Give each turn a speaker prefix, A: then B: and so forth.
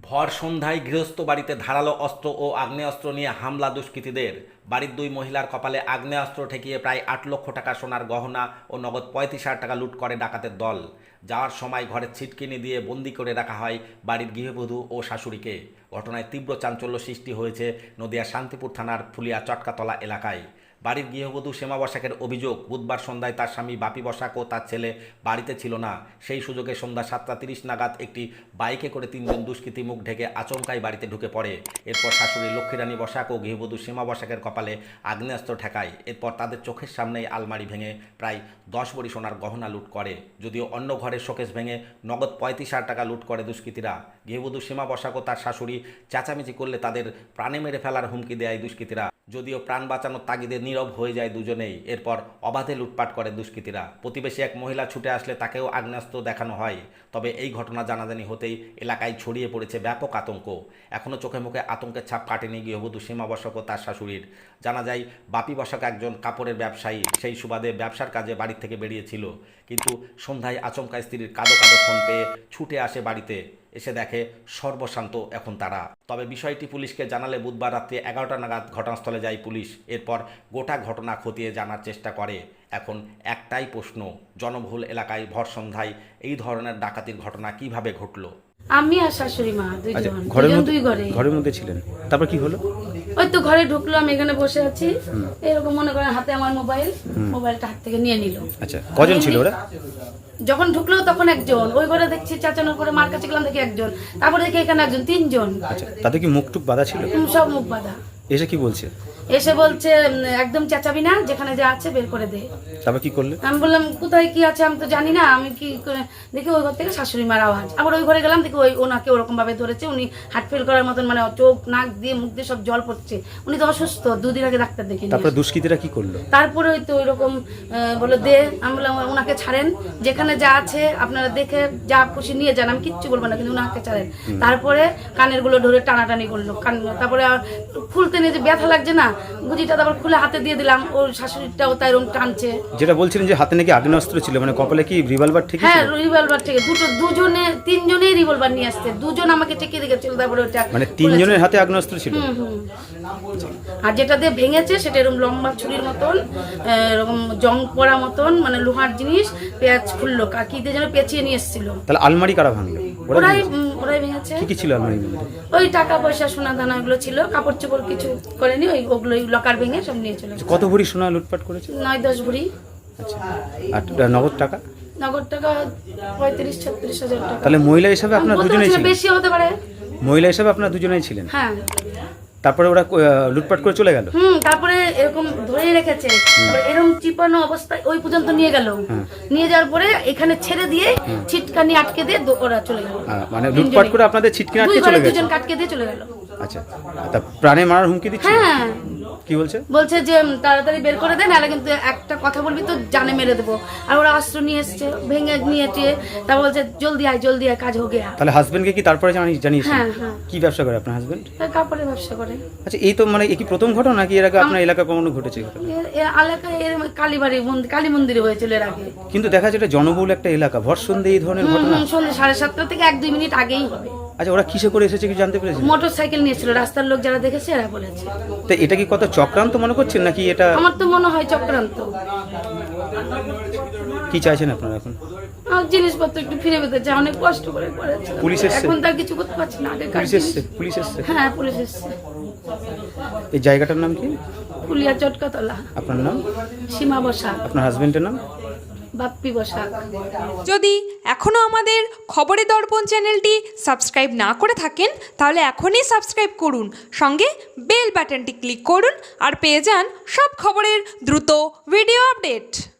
A: ভর সন্ধ্যায় গৃহস্থ বাড়িতে ধারালো অস্ত্র ও আগ্নেয়াস্ত্র নিয়ে হামলা দুষ্কৃতীদের। বাড়ির দুই মহিলার কপালে আগ্নেয়াস্ত্র ঠেকিয়ে প্রায় ৮ লক্ষ টাকা সোনার গহনা ও নগদ ৩৫,০০০ টাকা লুট করে ডাকাতের দল। যাওয়ার সময় ঘরের ছিটকিনি দিয়ে বন্দি করে রাখা হয় বাড়ির গৃহবধূ ও শাশুড়িকে। ঘটনায় তীব্র চাঞ্চল্য সৃষ্টি হয়েছে নদিয়ার শান্তিপুর থানার ফুলিয়া চটকাতলা এলাকায়। বাড়ির গৃহবধূ শ্যামা বসাকের অভিযোগ, বুধবার সন্ধ্যায় তার স্বামী বাপি বসাক ও তার ছেলে বাড়িতে ছিল না। সেই সুযোগে সন্ধ্যা ৭টা ৩০ নাগাদ একটি বাইকে করে ৩জন দুষ্কৃতী মুখ ঢেকে আচমকাই বাড়িতে ঢুকে পড়ে। এরপর শাশুড়ি লক্ষ্মীরানী বসাক ও গৃহবধূ শ্যামা বসাকের কপালে আগ্নেয়াস্ত্র ঠেকায়। এরপর তাদের চোখের সামনেই আলমারি ভেঙে প্রায় ১০ ভরি সোনার গহনা লুট করে। যদিও অন্য ঘরের শোকেস ভেঙে নগদ ৩৫,০০০ টাকা লুট করে দুষ্কৃতীরা। গৃহবধূ শ্যামা বসাক ও তার শাশুড়ি চেঁচামেচি করলে তাদের প্রাণে মেরে ফেলার হুমকি দেয় দুষ্কৃতীরা। যদিও প্রাণ বাঁচানোর তাগিদে নীরব হয়ে যায় দুজনেই। এরপর অবাধে লুটপাট করে দুষ্কৃতীরা। প্রতিবেশী এক মহিলা ছুটে আসলে তাকেও আগ্নেয়াস্ত্র দেখানো হয়। তবে এই ঘটনা জানাজানি হতেই এলাকায় ছড়িয়ে পড়েছে ব্যাপক আতঙ্ক। এখনও চোখে মুখে আতঙ্কের ছাপ কাটেনি গৃহবধূ শ্যামা বসাক ও তার শাশুড়ির। জানা যায় বাপি বসাক একজন কাপড়ের ব্যবসায়ী। সেই সুবাদে ব্যবসার কাজে বাড়ি থেকে বেরিয়েছিল, কিন্তু সন্ধ্যায় আচমকা স্ত্রীর কাঁদো কাঁদো ফোন পেয়ে ছুটে আসে বাড়িতে। এসে দেখে সর্বশান্ত এখন তারা। তবে বিষয়টি পুলিশকে জানালে বুধবার রাত্রে ১১টা নাগাদ ঘটনাস্থলে যায় পুলিশ। এরপর গোটা ঘটনা খতিয়ে জানার চেষ্টা করে। এখন একটাই প্রশ্ন, জনবহুল এলাকায় ভর সন্ধ্যায় এই ধরনের ডাকাতির ঘটনা কিভাবে ঘটলো?
B: আমি আর শাশুড়ি মা দুইজন
C: ঘরের মধ্যে ছিলেন, তারপর কি হলো?
B: ওই তো ঘরে ঢুকলো, আমি এখানে বসে আছি, এরকম মনে করেন হাতে আমার মোবাইলটা হাত থেকে নিয়ে নিল।
C: আচ্ছা, কজন ছিল ওরা?
B: যখন ঢুকলো তখন একজন, ওই ঘরে দেখছি চাচানোর করে মার কাছে গেলাম, দেখি একজন, তারপরে দেখি এখানে একজন, ৩জন।
C: আচ্ছা, তাদের কি মুখ টুক বাঁধা ছিল?
B: সব মুখ বাঁধা।
C: এসে কি বলছে?
B: এসে বলছে একদম চেঁচাবি না, যেখানে যা আছে বের করে দে।
C: তারপর কি করলে?
B: আমি বললাম কোথায় কি আছে আমি তো জানি না, আমি কি করে দেখি ওই ঘর থেকে শাশুড়ি মার আওয়াজ। আবার ওই ঘরে গেলাম, দেখি ওনাকে ওরকম ভাবে ধরেছে, উনি হার্ট ফেল করার মতন, মানে চোখ নাক দিয়ে মুখ দিয়ে সব জল পড়ছে। উনি তো অসুস্থ, ২ দিন আগে ডাক্তার দেখে।
C: তারপরে দুষ্কৃতীরা কি করলো?
B: তারপরে ওই তো ওইরকম বলে দে। আমি বললাম ওনাকে ছাড়েন, যেখানে যা আছে আপনারা দেখে যা খুশি নিয়ে যান, আমি কিচ্ছু বলবো না, কিন্তু ওনাকে ছাড়েন। তারপরে কানের গুলো ধরে টানাটানি করলো, তারপরে খুলতে নিয়ে যে ব্যথা লাগছে না, গুজিটা তারপর খুলে হাতে দিয়ে দিলাম। ওর শাশুড়িটাও তাই এরকম টানছে।
C: যেটা বলছিলেন যে হাতে নাকি আগ্নেয়াস্ত্র ছিল, মানে কপালে কি রিভলভার ঠিক?
B: হ্যাঁ, রিভলভার থেকে দুজনে ৩জনেই রিভলভার নিয়ে আসছে। 2জন আমাকে ঠেকিয়ে রেখেছিল, তারপরে ওটা
C: মানে ৩জনের হাতে আগ্নেয়াস্ত্র ছিল।
B: আর যেটা দিয়ে ভেঙেছে সেটা এরকম লম্বা ছুরির মতন, এরকম জং পড়া মতন, মানে লোহার জিনিস, পেঁয়াজ খুললো, কি দিয়ে যেন পেঁচিয়ে নিয়ে এসেছিল।
C: তাহলে আলমারি কারা ভাঙলো?
B: ওরাই ভেঙেছে।
C: কি কি ছিল আলমারির মধ্যে? ওই
B: টাকা পয়সা সোনা দানা এগুলো ছিল, কাপড় চোপড় কিছু করেনি, ওগুলো লকার ভেঙে সব নিয়ে চলে গেছে।
C: কত ভরি সোনা লুটপাট করেছে?
B: ৯-১০ ভরি।
C: আচ্ছা, আর নগদ টাকা?
B: নগদ টাকা ৩৫-৩৬ হাজার টাকা।
C: তাহলে মহিলা হিসাবে আপনারা দুজনেই ছিলেন?
B: বেশি হতে পারে।
C: মহিলা হিসাবে আপনারা দুজনেই ছিলেন?
B: হ্যাঁ।
C: তারপরে ওরা লুটপাট করে চলে গেল?
B: তারপরে এরকম ধরে রেখেছে, এরকম চিপানো অবস্থায় ওই পর্যন্ত নিয়ে গেল। নিয়ে যাওয়ার পরে এখানে ছেড়ে দিয়ে ছিটকানি আটকে দিয়ে ওরা চলে গেল।
C: মানে লুটপাট করে আপনাদের ছিটকানি আটকে চলে গেল?
B: দুজন আটকে দিয়ে চলে গেল।
C: আচ্ছা, তা প্রাণে মারার হুমকি দিচ্ছে?
B: হ্যাঁ।
C: কি বলছে?
B: বলছে যে তাড়াতাড়ি বের করে দেন, নাহলে কিন্তু একটা কথা বলবি তো জানে মেরে দেবো। আর ওরা অস্ত্র নিয়ে এসছে, ভেঙে নিয়ে টিয়ে, তা বলছে জলদি আয় কাজ হয়ে গেয়া।
C: তাহলে হাজবেন্ডকে কি তারপরে জানিয়েছেন?
B: হ্যাঁ।
C: কি ব্যবসা করে আপনার হাজবেন্ড?
B: কাপড়ের ব্যবসা করে।
C: আচ্ছা, এই তো মানে কি প্রথম ঘটনা নাকি এর আগে আপনার এলাকায় কখনো ঘটেছে?
B: এলাকায় কালী মন্দিরে হয়েছিল এর আগে।
C: কিন্তু দেখা যায় এটা জনবহুল একটা এলাকা, ভর সন্ধ্যে এই ধরনের ঘটনা?
B: সন্ধ্যে 7:30 থেকে 1-2 মিনিট আগেই হবে।
C: আচ্ছা, ওরা কিসে করে এসেছে কি জানতে পেরেছেন?
B: মোটরসাইকেল নিয়েছিল, রাস্তার লোক যারা দেখেছে এরা বলেছে।
C: তো এটা কি কত চক্রান্ত মনে করছেন নাকি এটা?
B: আমার তো মনে হয় চক্রান্ত।
C: কি চাইছেন আপনারা এখন?
B: জিনিসপত্র একটু ফিরে পেতে চাই, অনেক কষ্ট করে করেছে।
C: পুলিশ এসেছে?
B: এখন তার কিছু করতে পারছি না। আগে
C: পুলিশ এসেছে?
B: হ্যাঁ, পুলিশ এসেছে।
C: এই জায়গাটার নাম কি?
B: ফুলিয়া চটকাতলা।
C: আপনার নাম?
B: সীমা বসাক।
C: আপনার হাজবেন্ডের নাম?
B: বাপ্পি বসাক।
D: যদি এখনো আমাদের খবরের দর্পণ চ্যানেলটি সাবস্ক্রাইব না করে থাকেন, তাহলে এখনই সাবস্ক্রাইব করুন, সঙ্গে বেল বাটনটি ক্লিক করুন, আর পেয়ে যান সব খবরের দ্রুত ভিডিও আপডেট।